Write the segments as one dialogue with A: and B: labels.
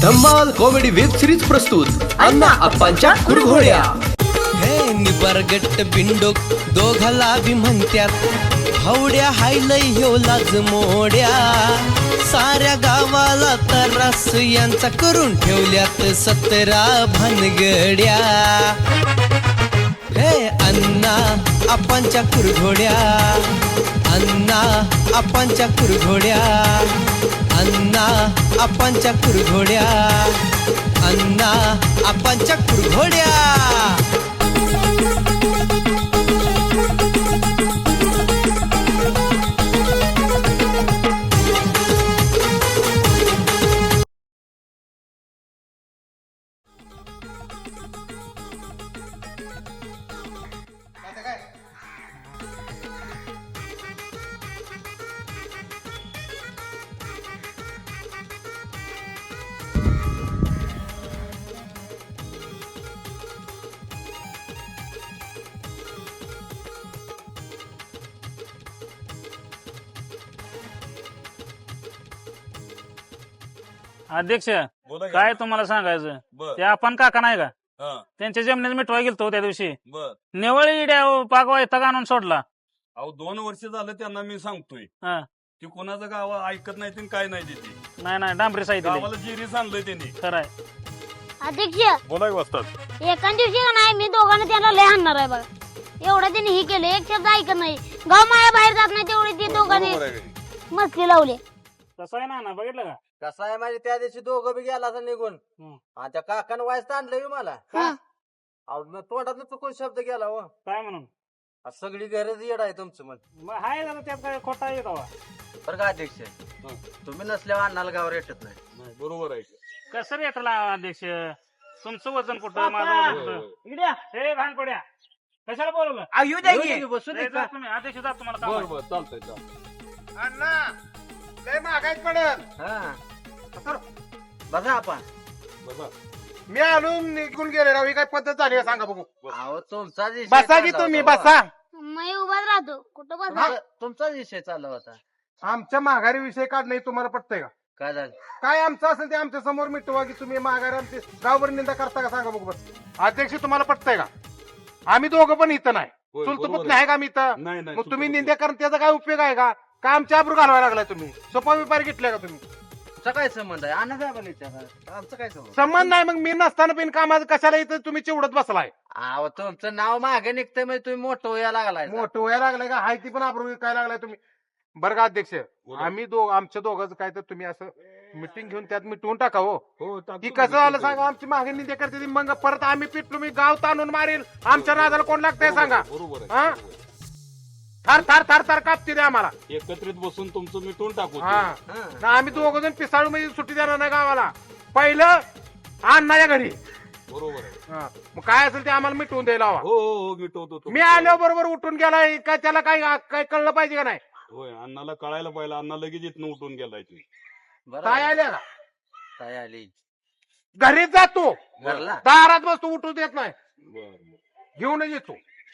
A: धम्माल comedy web series प्रस्तुत अण्णा अप्पांच्या कुरघोड्या।
B: हे निबरगट्ट बिंडोक दोघाला बी म्हणत्यात हवड्या हायलय ह्यो लाज मोड्या साऱ्या गावाला तरास यांचा करून ठेवल्यात 17 भानगड्या। हे अण्णा अप्पांच्या कुरघोड्या, अण्णा अप्पांच्या कुरघोड्या, अण्णा अप्पांच्या कुरघोड्या, अण्णा अप्पांच्या कुरघोड्या।
C: अध्यक्ष
D: बोला की.
C: काय तुम्हाला सांगायचं
D: बर.
C: ते आपण काका नाही का
D: हा,
C: त्यांच्या जमिनीत मिठवा गेलतो त्या दिवशी
D: बर.
C: निवळ इड्या पाक वैताग आणून सोडला।
D: अहो 2 वर्ष झालं त्यांना मी सांगतोय
C: हा.
D: की कोणाचं गाव ऐकत नाही ते काय नाही तिथे
C: नाही डांबरी साहित्य
D: गावाला जिरीस आणलंय त्यांनी।
C: खरंय
E: अध्यक्ष
D: बोला की वाजतात
E: एका दिवशी का नाही मी दोघांना त्यांना लय हाणणार आहे बघा। एवढं त्यांनी हे केलं, एक शब्द ऐकत नाही, गाव माया बाहेर जात नाही, तेवढे ते दोघांनी मस्ती लावले।
C: कसं आहे ना बघितलं का?
F: कसं आहे माझी त्या दिवशी दोघं बी गेला असं निघून
C: हम्म.
F: आणि त्या काकानं वायस आणलं मला
E: हा.
F: अहो, मग तोंडात चुकून शब्द गेला हो
C: काय म्हणून
F: सगळी गरज येड आहे तुमचं म्हण
C: मग हाय जरा त्यात काय खोटा येत हवा।
F: बरं का अध्यक्ष तुम्ही नसल्यावर अन्नाला गावावर येतच नाही
D: नाही, बरोबर आहे की.
C: कसं रेटला अध्यक्ष? तुमचं वजन कुठं, माझं वजन कुठं?
F: इकड्या
C: हे भान पड्या कशाला बोलवलं?
F: येऊ द्या की, बसू दे
C: हे
F: का?
C: जा तुम्ही अध्यक्ष जा तुम्हाला काम
D: बर
C: आहे.
D: बर चालतंय चालतंय।
G: लय महागाईत पडत
F: हा बघा आपण
D: बसा.
G: मी आलो निघून गेले राव, ही काय पद्धत झाली आहे सांगा बघू.
F: अहो तुमचा विषय
G: बसा की
F: चालला
G: तुम्ही
F: होता,
G: बसा.
E: मी उभाच राहतो, कुठं बस
F: तुमचा विषय चालला होता
G: आमच्या माघारी विषय काढणे तुम्हाला पटतंय का?
F: काय झालं
G: काय आमचं असेल ते आमच्या समोर मिटवा की तुम्ही माघारी आमची गावभर निंदा करता का सांगा बघू बस. अध्यक्ष तुम्हाला पटतंय का? आम्ही दोघं पण इथं नाही,
D: होय,
G: चुलत
D: बरोबर
G: पुतणे
D: आहे.
G: आहे का आम्ही इथं?
D: नाही नाही
G: मग तुम्ही
D: चुकलं.
G: निंदा करून त्याचा काय उपयोग आहे का? का आमच्या आबरू घालवायला लागलाय तुम्ही? सोपा व्यापारी घेतलाय का तुम्ही?
F: तुमचा काय संबंध आहे अन्ना साहेबांना विचारा आमचं काय संबंध
G: संबंध नाही, मग मी नसताना बिन कामाचं कशाला इथं तुम्ही चिवडत बसलाय?
F: अहो तुमचं नाव मागे निघतंय म्हणजे तुम्ही मोठं व्हायला लागलाय
G: मोठं व्हायला लागलाय का? हाय ती पण आबरू काय लागलाय तुम्ही? बरं का अध्यक्ष, आम्ही आमच्या दोघांचं काय तर तुम्ही असं मिटिंग घेऊन त्यात मिटवून टाका हो.
D: हो, टाकतो
G: की
D: ना,
G: कसं झालं
D: टाकतो.
G: सांगा, आमची मागणी निंदा करते ती, मग परत आम्ही पिटलो मी गाव ताणून मारेल, आमच्या नादाला कोण लागतंय सांगा?
D: बरोबर आहे,
G: हा?
D: बरोबर आहे.
G: थार थार थार थार कापते द्या आम्हाला.
D: एकत्रित बसून तुमचं मिटवून टाकू ते.
G: हा
F: हा.
G: ना आम्ही दोघं जण पिसाळू मध्ये सुट्टी देणार नाही गावाला. पहिलं अण्णाच्या घरी.
D: बरोबर आहे.
G: हा. मग काय असेल ते आम्हाला मिटवून द्यायला हवा.
D: हो हो हो मिटवतो तो.
G: मी आल्यावर बरोबर उठून गेलाय का? त्याला काय काय कळलं पाहिजे का नाही?
D: होय अण्णाला कळायला पाहिजे. अण्णा लगेच इथनं उठून गेलाय तुम्ही.
F: बरं
G: काय
F: आहे.
G: आल्या का?
F: काय आली
G: घरीच जातो,
F: घरला
G: दारात बसतो, उठू देत नाही,
D: बर बर.
G: घेऊनच येतो.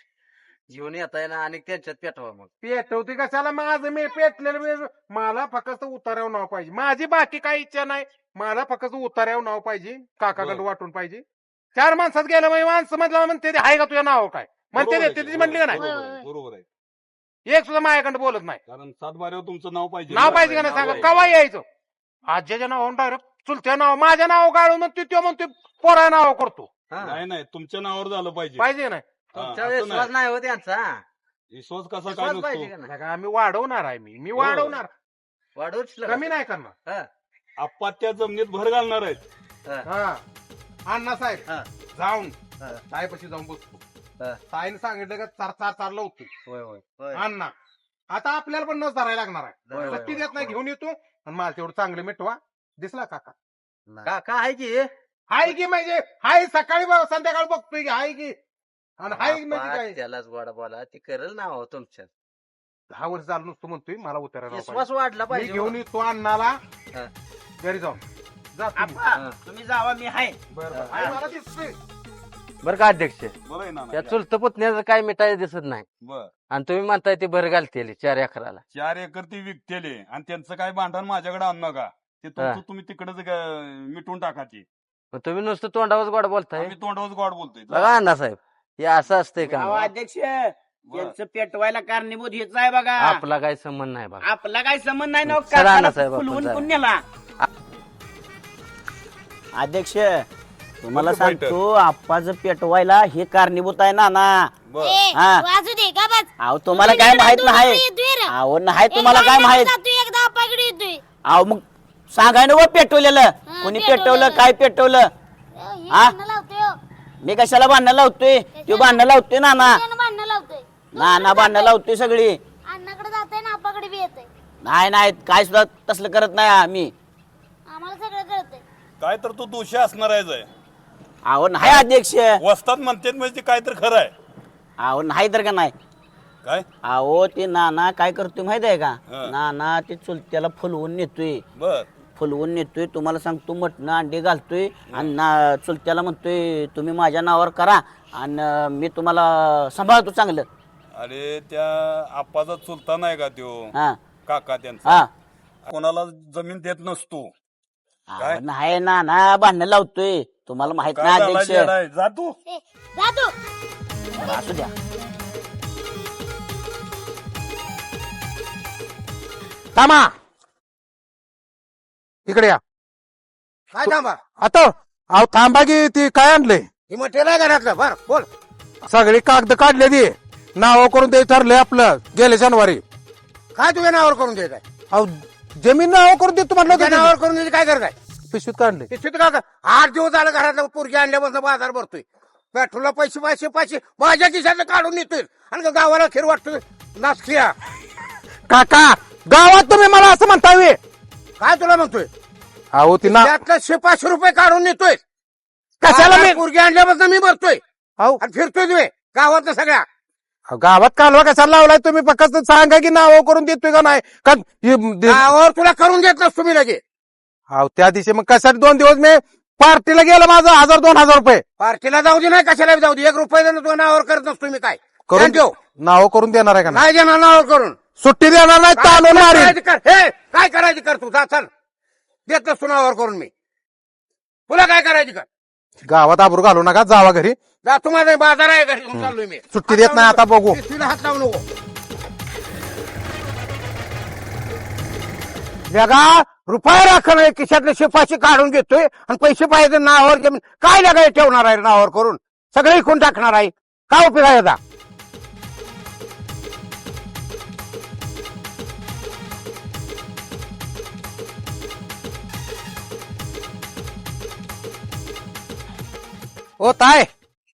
F: घेऊन येताय ना आणि त्यांच्यात पेटवा मग
G: पेटवते कशाला? माझं मी पेटलेलं मला फक्त उतार्यावर नाव पाहिजे. माझी बाकी काही इच्छा नाही, मला फक्त उतार्यावर नाव पाहिजे, काकाकडे
D: बरं.
G: वाटून पाहिजे. 4 माणसात गेलं म्हणजे माणसं म्हटलं म्हणते हाय का तुझ्या नाव काय म्हणते
D: बरोबर आहे
G: ते
D: की,
G: ती म्हणली का नाही?
D: बरोबर आहे, बरोबर आहे.
G: एक सुद्धा माझ्याकडे बोलत नाही.
D: कारण 7 बाऱ्यावर तुमचं नाव पाहिजे.
G: नाव पाहिजे का नाही सांगा? कवा यायचं? आज्याच्या नावावर डायरेक्ट चुलत्या नाव, माझ्या नाव गाळून म्हणते तो म्हणते पोरा नाव करतो.
F: हा.
D: नाही नाही तुमच्या नावावर झालं पाहिजे.
G: पाहिजे का नाही?
D: हा,
F: तुमच्या
D: असं
F: विश्वास नाही हो त्यांचा
D: विश्वास कसा काय
F: विश्वास पाहिजे
D: नसतो?
F: का नाही
G: बघा, आम्ही वाढवणार आहे, मी वाढवणार,
F: वाढवूच
G: कमी नाही करणार.
F: हा.
D: आप्पा त्या जमिनीत भर घालणार आहेत.
G: हा अण्णा साहेब
F: हा.
G: जाऊन
F: हा.
G: ताईपाशी जाऊन बसतो.
F: हा.
G: ताईने सांगितलं का चार चार चार लावतो
F: होय होय होय
G: अण्णा. आता आपल्याला पण नस धरायला लागणार
F: होय,
G: आहे.
F: होय,
G: नक्की
F: होय.
G: देत नाही, घेऊन येतो आणि मला तेवढं चांगलं मिटवा. दिसला काका?
F: का का आहे की
G: हाय की म्हणजे हाय, सकाळी संध्याकाळी बघतोय की हाय की, आणि हाय म्हणजे
F: बापा,
G: काय?
F: त्यालाच गोडा बोला ती करेल ना हो तुमच्यात
G: 10 वर्ष झालं नुसतं म्हणतोय मला उतरायला
F: विश्वास वाढला
G: मी
F: पाहिजे
G: घेऊन येतो अण्णाला
F: हा.
G: घरी जाऊन. जा तुम्ही.
F: हा.
H: तुम्ही जावा, मी आहे.
G: बरं, बरं. हाय, मला दिसतोय.
F: बरं का अध्यक्ष
D: बरं आहे ना
F: त्या चुलत पुतण्याचं काय मिठाई दिसत नाही
D: बर.
F: आणि तुम्ही म्हणताय ते भर घालते 4 एकराला.
D: 4 एकर ती विकतेले आणि त्यांचं काय भांडण माझ्याकडे आणू नका. ते तुमचं तुम्ही तिकडेच मिटून टाका ती.
F: तुम्ही नुसतं तोंडावर गोड बोलताय.
D: आम्ही तोंडावर गोड बोलतोय.
F: बघा अण्णासाहेब हे असं असतंय का?
H: अध्यक्ष यांचं पेटवायला कारणीभूत हेच आहे बघा.
F: आपला काही संबंध नाही बघा.
H: आपला काय संबंध नाही ना
F: चला
H: काकाला
F: अण्णासाहेब, आपण
H: फुलवून
F: जाऊ.
H: पुण्याला. अध्यक्ष तुम्हाला
D: बरं, बैठक.
H: सांगतो आप्पाचं पेटवायला हे कारणीभूत आहे ना
D: बरं.
H: हा.
E: वाजू दे का बस.
H: अहो तुम्हाला काय माहित नाही. अहो नाही तुम्हाला काय माहित.
E: एकदा आपाकडे येतोय.
H: अहो मग सांगाय ना पेटवलेलं कोणी पेटवलं काय पेटवलं.
E: हे भांडणं लावतोय हो.
H: मी कशाला भांडणं लावतोय तो भांडणं लावतोय नाना.
E: त्यानं भांडणं लावतोय.
H: नाना भांडणं लावतोय सगळी.
E: अण्णाकडे जातोय ना आपाकडे बी येतोय.
H: नाही नाही काय सुद्धा तसलं करत नाही आम्ही.
E: आम्हाला सगळं कळतंय.
D: काय तर तू दोषी असणार आहे.
H: अहो नाही अध्यक्ष.
D: वस्तात म्हणते म्हणजे ते काय तर खरं आहे.
H: अहो नाही तर का नाही.
D: काय
H: अहो ते नाना काय करतोय माहित आहे का.
D: हा.
H: नाना ते चुलत्याला फुलवून नेतोय.
D: बर
H: फुलवून नेतोय तुम्हाला सांगतो मटणं अंडे घालतोय आणि चुलत्याला म्हणतोय तुम्ही माझ्या नावावर करा आणि मी तुम्हाला सांभाळतो चांगलं.
D: अरे त्या आप्पाचा चुलता नाही का त्यो
H: हा
D: काका त्यांचा
H: हा
D: कोणाला जमीन देत नसतो. काय?
H: अहो, नाही नाना भांडणं लावतोय तुम्हाला माहित
D: काय
H: नाही
D: झाला
H: अध्यक्ष.
D: जेडाय? जा तू.
E: ए, जा तू.
H: असू द्या.
G: थांबा इकडे या.
I: काय थांबा
G: आता अहो थांबा की ती काय आणलंय.
I: ही मटेरियल आहे घरातलं. बर बोल.
G: सगळी कागद काढले ती नाव करून ते ठरलंय आपलं गेल्या शनिवारी.
I: काय तुझ्या नावावर करून देत आहे.
G: अहो जमीन नाव करून देतो म्हटलं
I: तुझ्या
G: होतं
I: नावावर करून द्यायची काय करत आहे.
G: पिशवीत काढले.
I: पिशवीत का 8 दिवस झालं घरातलं पोरगी आणल्यापासून बाजार भरतोय. पेट्रोलला पैसे पैसे पैसे माझ्या खिशातलं काढून नेतोय आणि गावाला खीर वाटतोय. नाचखिया
G: काका गावात तुम्ही मला असं म्हणता वे.
I: काय तुला म्हणतोय.
G: अहो ती ना
I: त्यातलं 500 रुपये काढून नेतोय.
G: कशाला मी
I: पोरगी आणल्यापासून मी भरतोय
G: अहो
I: आणि फिरतोय तुम्ही गावातलं सगळ्या.
G: गावात कालवा कशाला लावलाय तुम्ही. फक्त सांगा की नाव करून देतोय का नाही का
I: गावावर तुला करून देत नसतो मी लगे.
G: अहो त्या दिवशी मग कशासाठी 2 दिवस मी पार्टीला गेला माझं 1000-2000 रुपये
I: पार्टीला जाऊ दे नाही कशाला जाऊ दे. 1 रुपये देणं तुझ्या नावावर करत नसतो मी. काय
G: करून
I: ठेव.
G: नाव करून देणार आहे का नाही.
I: नाही देणार नावावर करून.
G: सुट्टी देणार नाही
I: काय
G: चालून मारीन.
I: करायचं कर. हे काय करायचं कर तू. जा चल. देत नसतो नावावर करून मी. तुला काय करायचं कर.
G: गावात आबरू घालू नका जावा घरी.
I: जा तुम्हाला बाजार आहे घरी घेऊन चाललोय मी.
G: सुट्टी देत नाही आता बघू.
I: पिशवीला हात लावू नको. जगा रुपये राख नाही खिशातले शिपाशी काढून घेतोय आणि पैसे पाहिजे नावावर जमीन काय लगाय ठेवणार आहे नावावर करून. सगळे इकून टाकणार आहे. काय उपयोग आहे याचा.
G: ओ ताय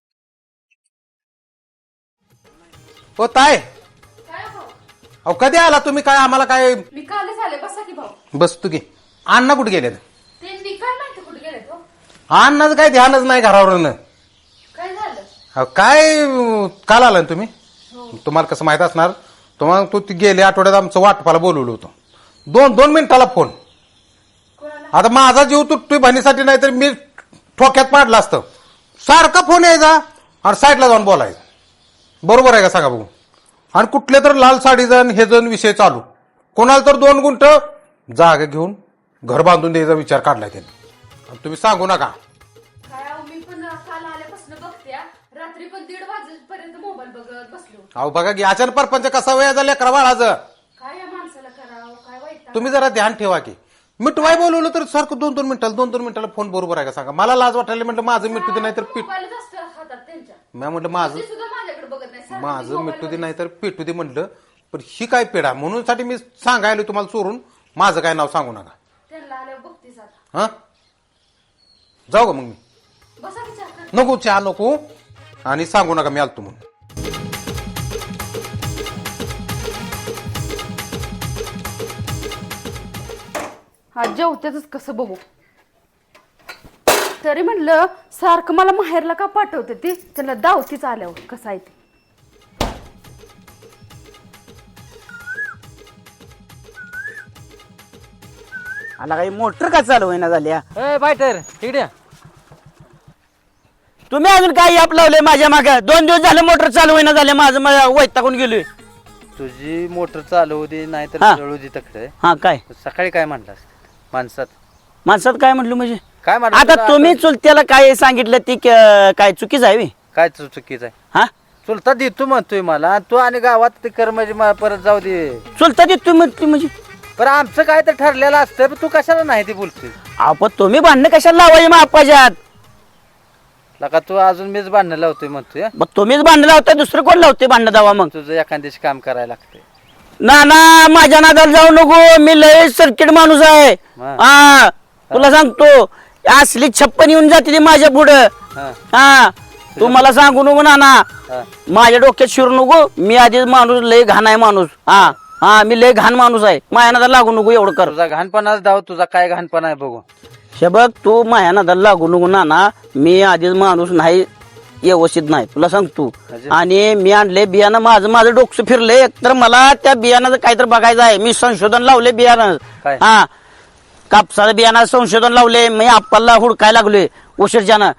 G: ओ ताय अहो कधी आला तुम्ही. काय आम्हाला काय
J: मी कालच आले. बसा की भाऊ.
G: बसतो की. अण्णा कुठे गेले.
J: ते निकाल माहिती कुठे गेले तो.
G: अण्णाचं काय ध्यानच नाही घरावरून.
J: काय झालं.
G: अहो, काय काल आला ना तुम्ही. तुम्हाला कसं माहित असणार. तुम्हाला तू गेले आठवड्यात आमचं वाटपाला बोलवलं होतं. 2 मिनिटाला फोन. आता माझा जीव तुटतोय बहिणीसाठी नाही तर मी ठोक्यात पाडला असतं. सारखा फोन यायचा आणि साईडला जाऊन बोलायचं. बरोबर आहे का सांगा बघू. आणि कुठले तर लाल साडी जण हे जण विषय चालू. कोणाला तर 2 गुंठ जागा घेऊन घर बांधून द्यायचा विचार काढलाय त्यांनी. आणि तुम्ही सांगू नका.
J: काय अहो, मी पण काल आल्यापासून बघते. रात्री पण 1:30 वाजेपर्यंत मोबाईल बघत बसलो.
G: अहो बघा की अचानक परपंच कसा वेळ झाला लेकरा बाळाचं.
J: काय या माणसाला करावं. काय वाईट.
G: तुम्ही जरा ध्यान ठेवा की. मिटवाय बोलवलं तर सारखं 2 मिनिटाला फोन. बरोबर आहे का सांगा. मला लाज वाटायला म्हटलं माझं मिटू दे नाही तर पीठ.
J: मोबाईलच असतं हातात त्यांच्या.
G: मी म्हटलं माझं
J: ते सुद्धा माझ्याकडे बघत नाही. सारखं
G: माझं
J: mobile
G: मिटू दे
J: बघत.
G: नाही तर पेटू दे म्हटलं. पण ही काय पेढा म्हणून साठी मी सांगायला तुम्हाला चोरून. माझं काय नाव सांगू नका.
J: त्यांना आल्यावर बघतीस आता.
G: हा जाऊ का मग मी.
J: बसा की चहा कर.
G: नको चहा नको आणि सांगू नका मी आलतो म्हणून.
J: हा जेवतेच कसं बघू. तरी म्हणलं सारखं मला माहेरला का पाठवते ती. त्याला दावतीच आल्यावर कसं आहे ते.
H: आला काही मोटर का चालू होईना झाल्या.
F: बायटर इकडे
H: तुम्ही अजून काय याप लावले माझ्या मागे. 2 दिवस झाले मोटर चालू होईना झाले. माझं वैतागून गेलोय.
F: तुझी मोटर चालू होती नाही तर
H: हा.
F: जळू दे तकडे.
H: हा काय
F: सकाळी काय म्हणलास माणसात
H: माणसात काय म्हटलं म्हणजे
F: काय म्हणलं
H: आता
F: तुला
H: तुम्ही चुलत्याला काय सांगितलं ती काय चुकीच आहे बे?
F: काय चुकीचं आहे
H: हा
F: चुलता देतो म्हणतोय मला तू आणि गावात ते कर म्हणजे मला परत जाऊ दे
H: चुलता देत तुम्ही म्हटली म्हणजे
F: पण आमचं काय तर ठरलेलं असतं पण तू कशाला नाही ते बोलतोय
H: आपण तुम्ही भांडणं कशाला लावायचे मग आपाच्यात
F: लका तू अजून मीच भांडणं लावतोय म्हणतोय
H: मग तुम्हीच भांडणं लावताय दुसरं कोण लावते भांडणं दावा मग
F: तुझं एखाद्याशी काम करायला लागतंय
H: ना ना माझ्या नादाला जाऊ नको मी लय सर्किट माणूस आहे
F: हा.
H: हा तुला सांगतो असली छप्पन येऊन जाते ती माझ्या पुढं
F: हा.
H: हा तू मला सांगू नको ना
F: हा.
H: माझ्या डोक्यात शिरू नको मी आधीच माणूस लय घाण आहे माणूस हा हा मी लय घाण माणूस आहे माझ्या नादाला लागू नको एवढं कर
F: तुझा घाणपणाच धाव तुझा काय घाणपणा आहे बघू
H: हे बघ तू माझ्या नादाला लागू नको ना मी आधीच माणूस नाही व्यवस्थित नाही तुला सांगतो
F: म्हणजे?
H: आणि मी आणले बियाणं माझं डोकं फिरले तर मला त्या बियाणाचं काहीतरी बघायचं आहे मी संशोधन लावले बियाणं
F: काय?
H: हा कापसाचं बियाणं संशोधन लावले मी आपल्याला हुडकायला लागलोय उशीरच्यानं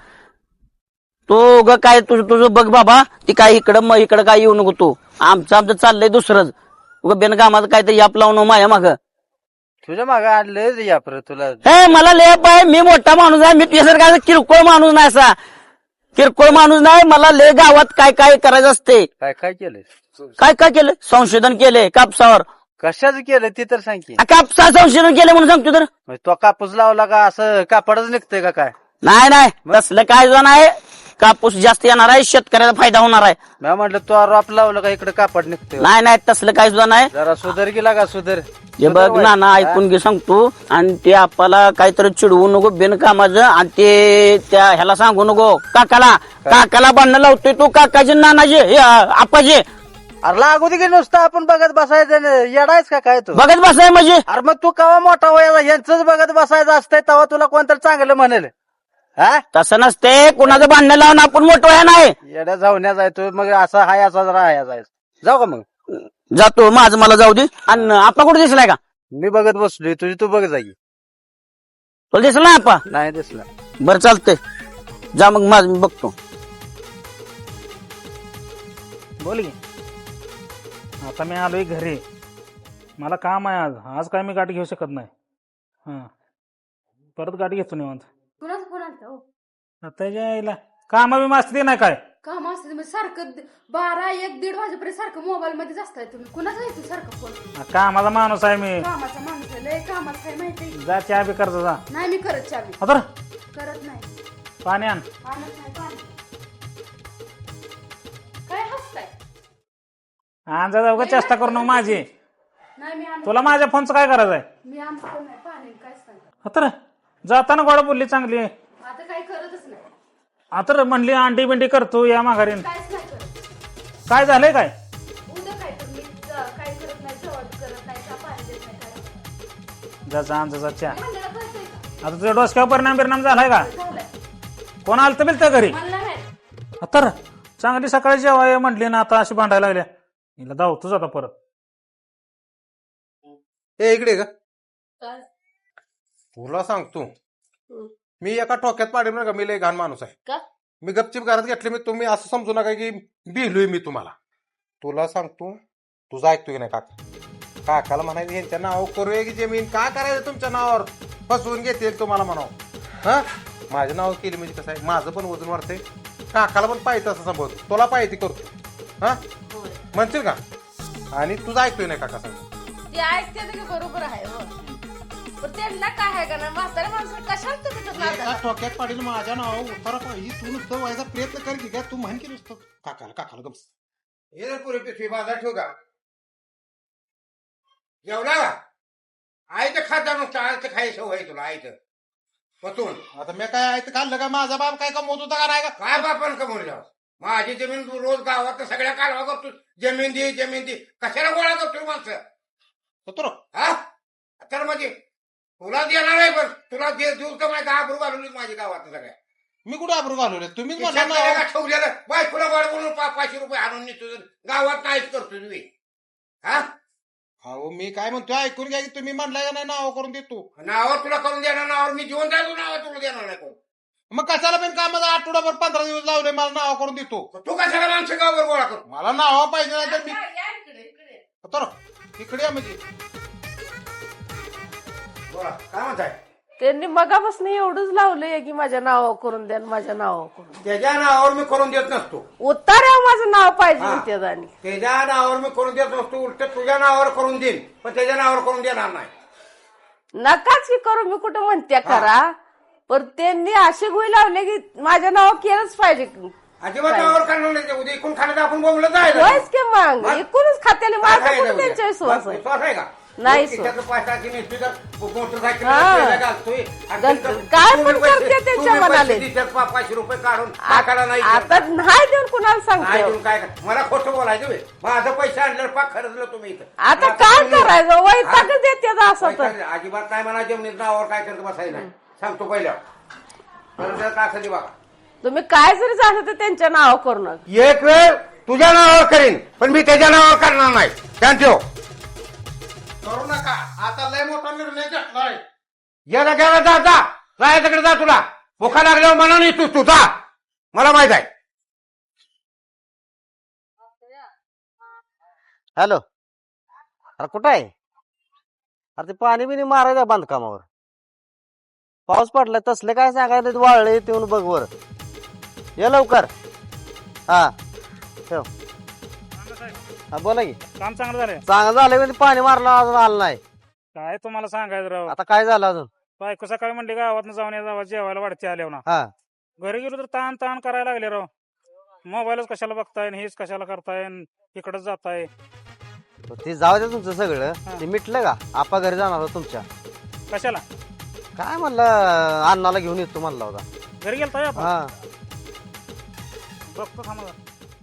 H: तो ग काय तुझं बघ बाबा ती काय इकडं काय येऊ नको तू आमचं चाललंय दुसरंच उग बेनकामाचं काहीतरी याप लावून माझ्या मागं
F: तुझ्या मागे आणलंय या परत तुला
H: हे मला लेप आहे मी मोठा माणूस आहे मी तुझ्यासारखा किरकोळ माणूस नाही असा किरकोळ माणूस नाही मला ले गावात काय काय करायचं असते
F: काय काय केलंय
H: काय काय केलं संशोधन केले कापसावर
F: कशाच केलं ते तर सांग की
H: कापसा संशोधन केलं म्हणून सांगतो तर
F: म्हणजे तो कापूस लावला का असं कापडच निघतंय का काय
H: नाही तसलं काय जो नाही कापूस जास्त येणार आहे शेतकऱ्याचा फायदा होणार आहे
F: मी म्हटलं तो रोप लावलं का इकडे कापड निघतंय
H: नाही तसलं काय सुद्धा नाही
F: जरा सुधर गेला का सुधर
H: हे बघ ना ऐकून घे सांगतो आणि ते आपल्याला काहीतरी चिडवू नको बिनकामाचं आणि ते त्या ह्याला सांगू नको काकाला भांडणं लावतोय तू काकाचे नानाचे हे आपाचे
F: अरे लागू दे की नुसतं आपण बघत बसायचं येडायच का काय तू
H: बघत बसाय म्हणजे
F: अरे मग तू केव्हा मोठा होया यांचंच बघत बसायचं असतंय तेव्हा तुला कोणतरी चांगलं म्हणेल हा
H: तसं नसते कोणाचं भांडणं लावून आपण मोठं व्हाय नाही
F: येड्या जाऊन्या जायतो मग असं हाय असा जरा हाया जायचं जाऊ का मग
H: जातो माझं मला जाऊ दे आणि आपा कुठे दिसलाय का
F: मी बघत बसलोय तुझी तू बघ जागी
H: तुला दिसला ना आपा
F: नाही दिसला
H: बरं चालतंय जा मग माझं मी बघतो
C: बोल की आता मी आलोय घरी मला काम आहे आज काय मी गाडी घेऊ शकत नाही हा परत गाडी घेतो निवांत
J: कुणाचा फोन आलता हो
C: त्याच्या यायला कामा बी मास्ती नाही काय
J: काम असते म्हणजे सारखं 12-1-1:30 वाजेपर्यंत सारखं मोबाईल मध्येच असताय तुम्ही कुणाचा येतो सारखं फोन
C: कामाचा माणूस आहे मी
J: कामाचा माणूस आहे लय कामात काय माहिती
C: जा चहा बी करता जा
J: नाही मी करत चावी
C: आता
J: करत नाही
C: पाणी आण
J: आणत नाही पाणी काय हसताय
C: आण जा जाऊ का चेष्टा करू नको माझी
J: नाही मी आणत
C: तुला माझ्या फोनचं काय करायचं आहे
J: मी आणत पण नाही पाणी काहीच नाही
C: आता जाताना गोडा बोलली चांगली
J: आता काही करतच नाही
C: आता म्हणली अंडी बिंडी करतो या माघारीन
J: काहीच नाही करत
C: काय झालंय काय
J: उद्या काय तर मी काय करत नाही जवळ करत नाही का पाणी देत नाही काय
C: जा आण जा चहा
J: म्हणलेलं कळतंय का
C: आता तुझ्या डोसक्यावर परिणाम झालाय का
J: झालंय
C: कोण आलं तर मिळतं घरी
J: मला नाही माहित.
C: तर चांगली सकाळी जेवाय म्हटली ना आता अशी भांडायला लागल्या हिला धावतोच आता परत
G: ए इकडे का
J: काय?
G: तुला सांगतो मी एका टोक्यात पाडील का मी लय घाण माणूस आहे
J: का?
G: मी गपचिप घरात घेतले मी तुम्ही असं समजू नका की बिलोय मी तुम्हाला तुला सांगतो तुझं ऐकतोय की नाही काकाला म्हणायचं यांच्या नावावर करूया की जमीन काय करायचं तुमच्या नावावर फसवून घेतील तुम्हाला म्हणावं हा माझ्या नावावर केली म्हणजे कसं आहे माझं पण वजन वाढतंय काकाला पण पाहिजे असं सांभाळतो तुला पाहिजे करतो हा म्हणशील का आणि तुझं ऐकतोय नाही काका सांग
J: ते ऐकते की बरोबर आहे हो पण त्यांना काय आहे का ना म्हाताऱ्या माणसाला कशाला तुम्ही तर नादाला?
G: टोक्यात पाडील माझ्या नावावर उतारा पाहिजे तू नुसतं व्हायचा प्रयत्न कर की काय तू म्हण की नुसतं काकाला गप्स
I: हे पुरे पिशवी बाजार ठेवू का जेवला का आईचं खात जाणून चाळायचं खायचं सवय तुला आईचं पतून
G: आता मी काय आहे ते खाल्लं का माझा बाप काय कमवत होता का नाही का
I: काय बापान कमवलं माझी जमीन तू रोज गावात सगळ्या कालवा करतो जमीन दे कशाला गोळा करतो माणसं
G: तर
I: हा तर म्हणजे तुला देणार आहे पण तुला देऊ का माझ्या आबरू घालवली माझी गावात सगळ्या
G: मी कुठे आबरू घालवले तुम्हीच
I: खिशात
G: म्हणला
I: गेल्या का ठेवलेलं बायकोला गोड बोलून 500 रुपये आणून नेतो गावात नाहीच करतो तुम्ही हा
G: अहो मी काय म्हणतोय ऐकून घ्या की तुम्ही म्हणलाय का नाही नाव करून देतो
I: नावावर तुला करून देणार नावावर मी जीवन जायचो नावावर तुला देणार नाही कोण
G: मग कशाला पण कामाचा आठवडाभर 15 दिवस लावले मला नाव करून देतो
I: तू कशाला माणसं गावावर गोळा करतो
G: मला नाव पाहिजे नाही तर मी
J: या इकडे
G: तर इकडे या म्हणजे
I: बोला काय म्हणताय
J: त्यांनी मगापासून एवढंच लावलंय की माझ्या नावावर करून द्या माझ्या नावावर करून
I: त्याच्या नावावर मी करून देत नसतो.
J: उतार्यावर माझं नाव पाहिजे म्हणते आणि
I: त्याच्या नावावर मी करून देत नसतो. उलट तुझ्या नावावर करून देईन, पण त्याच्या नावावर करून देणार नाही.
J: नकाच की करू मी कुठं म्हणते करा, पण त्यांनी असे गुई लावले की माझ्या नावावर केलंच पाहिजे.
I: अजिबात नावावर करणार नाही. उद्या इकून खाण्यात आपण बोललं जायचं.
J: होयच की मग एकूणच खात्याने माझं कुठं त्यांच्या विश्वास आहे.
I: विश्वास आहे का?
J: नाही
I: खिशातलं पैशाची नेसती तर मोटरसायकल
J: हा.
I: घालतोय. आणि
J: घालतोय.
I: तुम्ही
J: काय पण
I: पैसे-
J: करते त्यांच्या
I: तुम्ही पैसे
J: मनाले.
I: देतात, 500 रुपये काढून टाकायला नाही
J: आता नाही देऊन कुणाला
I: नाही
J: सांगतो.
I: देऊन काय कर- मला खोटं बोलायचं बे. माझं पैसे आणल्यावर पाक खर्चलं तुम्ही इथं.
J: आता काय करायचं वैताग देते असं तर.
I: पैसा- अजिबात काय म्हणा जमिनीत नावावर काय करत बसायचं नाही. सांगतो पहिल्या असं दे बघा.
J: तुम्ही काय जरी झालं तर त्यांच्या नावावर करू नका.
I: एक वेळ तुझ्या नावावर करीन, पण मी त्याच्या नावावर करणार नाही. थँक्यू.
G: करू नका. आता लय मोठा निर्णय घेतलाय.
I: गेला गेला जा जा. जायच्याकडे जा. तुला भुका लागल्यावर मना नाही तू जा. मला माहित आहे.
F: हॅलो, अरे कुठं आहे? अरे ते पाणी बिनी मारायचं बांधकामावर. पाऊस पडलाय तसले काय सांगायला वाळले येऊन बघ वर. ये लवकर. हा ठेव. हा बोला की.
C: काम चांगलं झालंय.
F: चांगलं झालं पण पाणी मारलं अजून आलं नाही.
C: काय तुम्हाला सांगायचं राव,
F: आता काय झालं अजून?
C: बायको सकाळी म्हणली गावात जाऊन या जावा जेवायला वाढते आल्यावर ना.
F: हा
C: घरी गेलो तर ताण ताण करायला लागले राव. मोबाईलच कशाला बघताय हेच कशाला करताय इकडच जाताय.
F: ते जाऊ दे तुमचं सगळं. ते मिटलं का? आपा घरी जाणार होता तुमच्या.
C: कशाला
F: काय म्हणलं अण्णाला घेऊन येतो म्हणला होता.
C: घरी गेलताय आपण.
F: हा
C: बघतो थांबा जरा.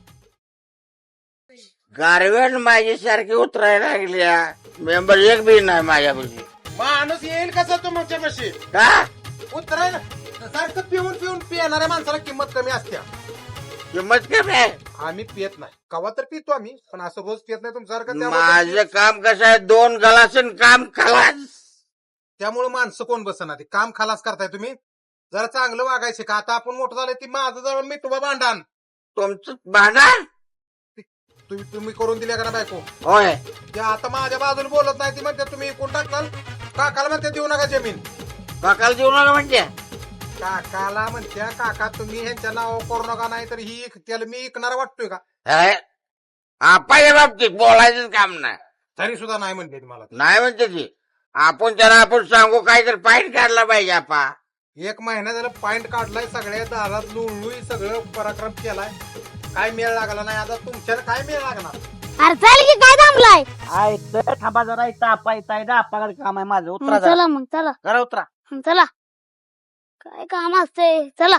I: गारवेट माझ्यासारखी उतरायला लागल्या. मेंबर एक बी नाही माझ्यापाशी.
G: माणूस येईल कसा तुमच्या पाशी?
I: का
G: उतरायला सारखं पिऊन पिऊन पिणाऱ्या माणसाला किंमत कमी असते.
I: किंमत कमी आहे?
G: आम्ही पियत नाही. कवा तर पितो आम्ही, पण असं रोज पियत नाही तुमच्यासारखं.
I: माझं काम कसं आहे, 2 गलासन काम खलास.
G: त्यामुळे माणसं कोण बसणार? काम खलास करताय तुम्ही. जरा चांगलं वागायचं का? आता आपण मोठं झालं ती माझं जवळ मी तुम्हा भांडण
I: तुमचं भांडण
G: तुम्ही करून दिल्या का ना बायको?
I: होय.
G: ते आता माझ्या बाजूला बोलत नाही. ती म्हणते तुम्ही कोण टाकताल. काकाला म्हणते देऊ नका जमीन.
I: काकाला देऊ नका म्हणजे
G: काकाला म्हणत्या काका तुम्ही ह्यांच्या नावावर करू नका, नाही तर ही त्याला मी ऐकणारा वाटतोय का?
I: आपाच्या बाबतीत बोलायचंच काम नाही.
G: तरी सुद्धा नाही म्हणते ती मला.
I: नाही म्हणते ती. आपण त्याला आपण सांगू काहीतरी पाईट काढला पाहिजे. आपा
G: 1 महिना झाला पॉइंट काढलाय. सगळ्या दारात लुळलुई सगळं पराक्रम केलाय. काय मेळ लागला नाही. आता तुमच्याला काय मेळ लागणार?
E: अरे चाल की काय थांबलाय.
H: ऐकतोय थांबा जरा. इथं आपा येत आपाकडे काम आहे माझं. उतरा जरा.
E: चला मग चला
H: जरा उतरा.
E: चला. काय काम असते चला.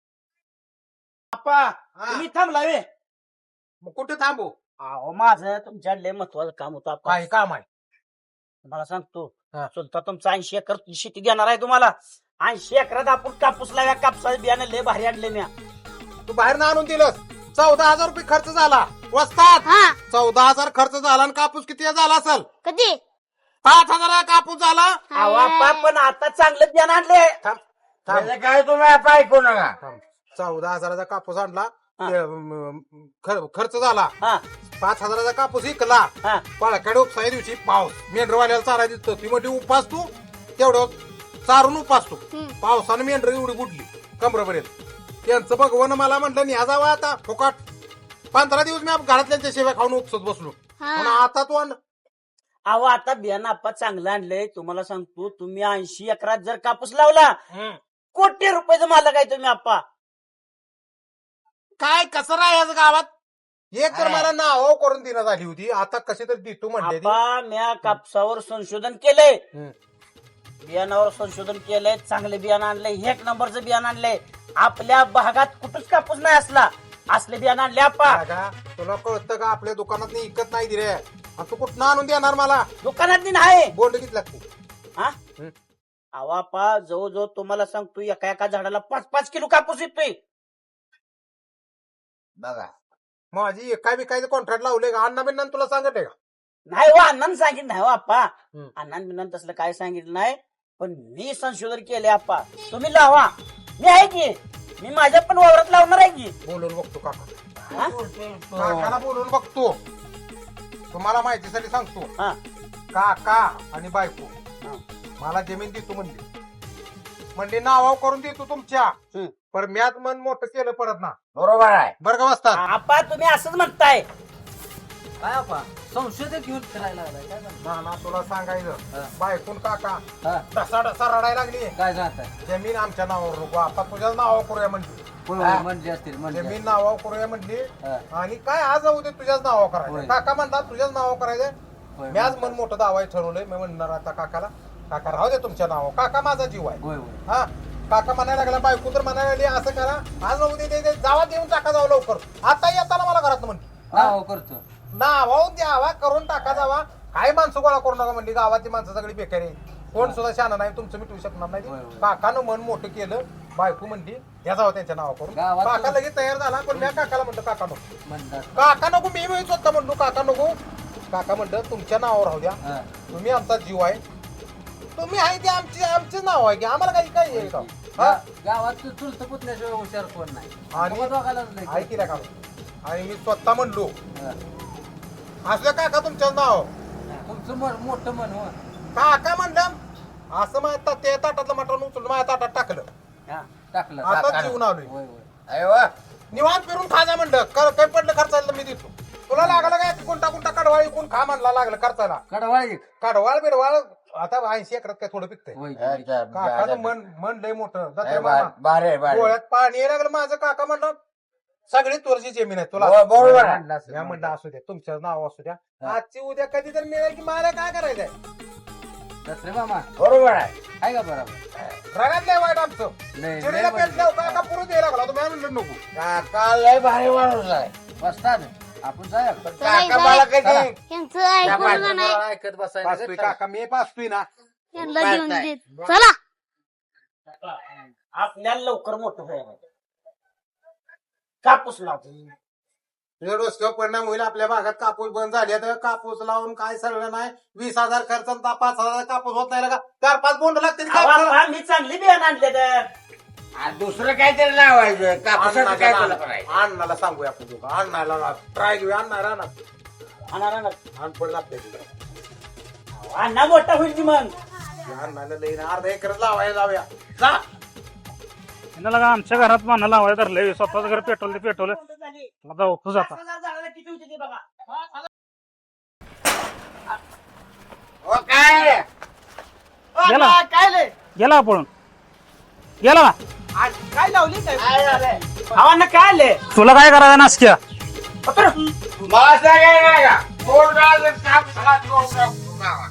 H: आपा तुम्ही थांबला वे.
G: मग कुठे थांबू?
H: अहो माझं तुमच्या लय महत्वाचं काम होतं आपा.
G: काय काम आहे?
H: मला सांगतो
G: हा.
H: चुलता तुमचं 80 एकर शेती देणार आहे तुम्हाला. 80 एकरात आपण कापूस लाव्या. कापसाचं बियाणं लय भारी आणले मी.
G: तू बाहेर ना आणून दिलंस. 14,000 रुपये खर्च झाला. वस्तात
E: हा
G: 14,000 खर्च झाला. आणि कापूस किती झाला असेल?
E: कधी
G: 5,000 कापूस झाला.
H: अहो आपा पण आता चांगलं बियाणं आणले.
I: काय तुम्ही आता ऐकू नका.
G: 14,000चा कापूस आणला. ते, खर्च झाला.
H: हा
G: 5,000चा कापूस विकला.
H: हा
G: पाळकडे उपसाय दिवशी पाऊस. मेंढरवाल्याला चारा दिसतो. ती मोठी उपास तू तेवढं चारून उपास तू. पावसानं मेंढर एवढी बुडली कमरापर्यंत. त्यांचं भगवान मला म्हटलं न्या जावं आता फुकाट. 15 दिवस मी घरातल्यांच्या शेव्या खाऊन उपसत बसलो. पण आता तू
H: अहो आता बियाणं आपा चांगलं आणलंय. तुम्हाला सांगतो तुम्ही 80 एकरात जर कापूस लावला कोटी रुपयाचं मालक आहे तुम्ही आपा.
G: काय कसं राहायचं गावात? एक तर मला नाव करून देण्यात आली होती. आता कशी तरी देतो म्हणते ती.
H: आपा म्या कापसावर संशोधन केलंय.
G: हम्म.
H: बियाणावर संशोधन केलंय. चांगलं बियाणं आणलंय. 1 नंबरचं बियाणं आणलंय. आपल्या भागात कुठंच कापूस नाही असले बियाणं आणले आपा.
G: का तुला कळतं का? आपल्या दुकानात इकत नाही दिरे. तू कुठं आणून देणार मला?
H: दुकानात नाही
G: बोर्ड किती लागते?
H: हा अहो आपा जवळजवळ तुम्हाला सांगतो एका झाडाला 5-5 किलो कापूस येतोय.
I: बघा
G: माझी काय विकायचं कॉन्ट्रॅक्ट लावले का? अण्णा बिन्ना तुला सांगत आहे का?
H: नाही हो अण्णानं सांगितलं नाही हो आपा.
G: हम्म.
H: अण्णान बिन्नान तसलं काय सांगितलं नाही. पण मी संशोधन केले आपा. तुम्ही लावा. मी आहे की मी माझ्या पण वावरात लावणार आहे की.
G: बोलून बघतो काका.
H: हा?
G: काकाला बोलून बघतो. तुम्हाला माहितीसाठी सांगतो.
H: हा.
G: काका आणि बायको
H: हा.
G: मला जमीन देतो म्हणली. म्हणजे नावाव करून देतो तुमच्या पण म्याच मन मोठं केलं परत ना
I: बरोबर आहे.
G: बरं का वाजता
H: आपा तुम्ही असंच म्हणताय
B: काय आपा संशोधक घेऊन फिरायला लागलाय काय म्हणतो?
G: ना तुला सांगायचं बायकून काका
B: हा.
G: तसा रडायला लागली
B: काय सांगताय
G: जमीन आमच्या नावावर नको आता तुझ्याच नावावर करूया म्हणली
B: म्हणले असतील म्हणजे
G: जमीन नावावर करूया म्हणली
B: हा.
G: आणि काय आज जाऊ दे तुझ्याच नावावर करायचं
B: होय.
G: काका म्हणला तुझ्याच नावावर करायचं
B: होय,
G: मी आज मन मोठं दावाय ठरवलंय मी म्हणणार आता काकाला काका राहू दे तुमच्या नावावर काका माझा जीव आहे
B: होय होय
G: हा काका म्हणायला लागला बायको तर म्हणायला लागली असं करा आज जाऊ दे जावा देऊन टाका जावं लवकर आता येताना मला घरात म्हणली
B: नाव करतो
G: नावाहून द्यावा करून टाका जावा काय माणसं गोळा करू नका म्हणली गावातली माणसं सगळी बेकारी आहे. कोण सुद्धा शाना नाही तुमचं मिटवू शकणार नाही
B: होय, होय.
G: काकानं मन मोठं केलं बायको म्हणली द्या जावं त्यांच्या नावा करून
B: गावात-
G: काका लगेच तयार झाला पण मी काकाला म्हणतो काका नको
B: म्हणतात
G: काका नको मी स्वतः म्हणलो काका नको काका म्हणलं तुमच्या नावावर राहू द्या
B: हा.
G: तुम्ही आमचा जीव आहे तुम्ही आहे ते आमचे नाव आहे की आम्हाला काही काय आहे का हा?
B: गावात तू चुलत पुतल्याशिवाय हुशार कोण नाही
G: आणि-
B: मग दोघालाच लय.
G: ऐकी का आणि मी स्वतः म्हणलो
B: हा.
G: असलं काका तुमचं नाव
B: तुमचं मन मोठं मन हो
G: काका म्हणलं असं माझ्या ते ताटातलं मटण उचलून माझ्या ताटात टाकलं
B: हा, टाकलं
G: आता जीवन आलोय
B: होय होय
I: अरे वा.
G: निवांत फिरून खाजा म्हणलं काही पडलं खर्चायला मी देतो तुला लागलं काय कोणता कोणता कडवाळ कोण खा म्हणला लागलं खर्चायला
B: कडवाळ एक
G: कडवाळ बिडवाळ आता 80 एकरात काय थोडं पिकतंय
B: होय
I: अच्छा,
G: काकाचं मन लय मोठं जाते
I: अरे
G: मामा.
I: बारे आहे, बारे आहे.
G: डोळ्यात पाणी यायला लागलं माझं काका म्हणलं सगळी तुळशी जमीन आहे तुला
I: हो, बरोबर आहे.
G: मी म्हणलं असू द्या तुमचं नाव असू द्या आजची उद्या कधी तर मिळेल की मला काय करायचंय
B: दसरे मामा
I: बरोबर आहे.
B: आहे का बरोबर
G: रगात लय वाईट आमचं
B: लय-
G: चिडीला
B: लय
G: पेट लाव काका पुरून द्यायला लागला तुम्ही म्हणलं नको
I: काका लय भारी माणूस आहे.
B: बसतात आपण जाऊया
I: काका मला कधी
E: यांचं ऐकून का नाही
B: ऐकत
G: पाचतोय
B: बसायचं
G: काका मी पाचतोय ना
E: यांना देऊन देत चला
H: आपल्याला लवकर मोठं व्हायला कापूस लावतो
G: तुझ्या डोसक्यावर परिणाम होईल आपल्या भागात कापूस बंद झाले तर कापूस लावून काय सरलं नाही 20,000 खर्च आणि 5,000 कापूस होत नाही का 4-5 बोंड लागते
H: मी चांगली बियाणं आणले तर
I: आणि दुसरं काहीतरी लावायचं कापसाचं काय तुला करायचं
G: अण्णाला सांगूया आपण दोघं अण्णाला ट्राय घेऊया अण्णा
H: आणणार
G: अनपड लागते तुला
H: अण्णा मोठा होईल की मग
G: अण्णाला लई ना अर्धा एकरच लावायला जाऊया जा
C: यांना लगा आमच्या घरात माना लावायला धरले स्वतःच घर पेटवलं ते पेटवलं जाऊ तू जाता
H: किती होते ते बघा
I: हो काय
C: गेला गेला पळून गेला का?
H: काय लावली काय भावांना काय आले
C: तुला काय करायचं नासक्या
I: मला सांगायला का कोण काम